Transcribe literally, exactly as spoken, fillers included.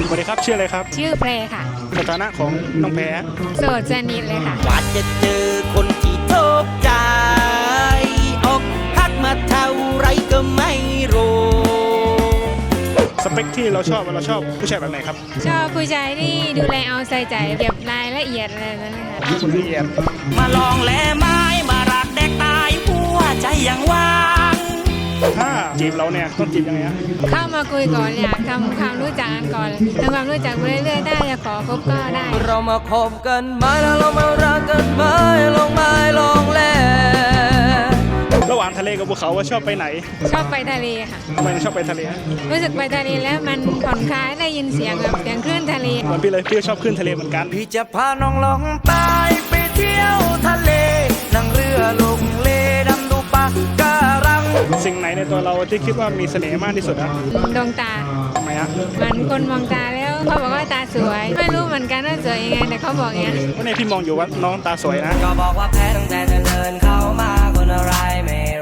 สวัสดีครับชื่ออะไรครับชื่อเพลค่ะสถานะของน้องแพรโสดสนิทเลยค่ะว่าจะเจอคนที่ถูกใจอกหักมาเท่าไรก็ไม่รู้สเปคที่เราชอบเราชอบผู้ชายแบบไหนครับชอบผู้ชายที่ดูแลเอาใส่ใจเก็บรายละเอียดอะไรนั้นนะคะคนละเอียดมาลองแลไม้มารักแดกตายหัวใจยังว่างถ้าจีบเราเนี่ยต้องจีบยังไงฮะเข้ามาคุยก่อนอยากทำความรู้จักกันก่อนทำความรู้จักไปเรื่อยๆได้จะขอคบก็ได้เรามาคบกันไหมแล้วเรามารักกันไหมลองไม้ลองแลระหว่างทะเลกับภูเขาว่าชอบไปไหนชอบไปทะเลค่ะทำไมถึงชอบไปทะเลฮะรู้สึกไปทะเลแล้วมันผ่อนคลายได้ยินเสียงแบบเสียงคลื่นทะเลเหมือนพี่เลยพี่ก็ชอบขึ้นทะเลเหมือนกันพี่จะพาน้องลองใต้ไปเที่ยวทะเล นั่งเรือลงเลดำดูปะการังสิ่งไหนในตัวเราที่คิดว่ามีเสน่ห์มากที่สุดฮะดวงตาทำไมฮะมันคนมองตาแล้วเขาบอกว่าตาสวย ไม่รู้เหมือนกันว่าสวยยังไงแต่เขาบอกอย่างนี้วันนี้พี่มองอยู่ว่าน้องตาสวยนะก็บอกว่าแพ้ตั้งแต่เธอเดินเข้ามาคนอะไรไม่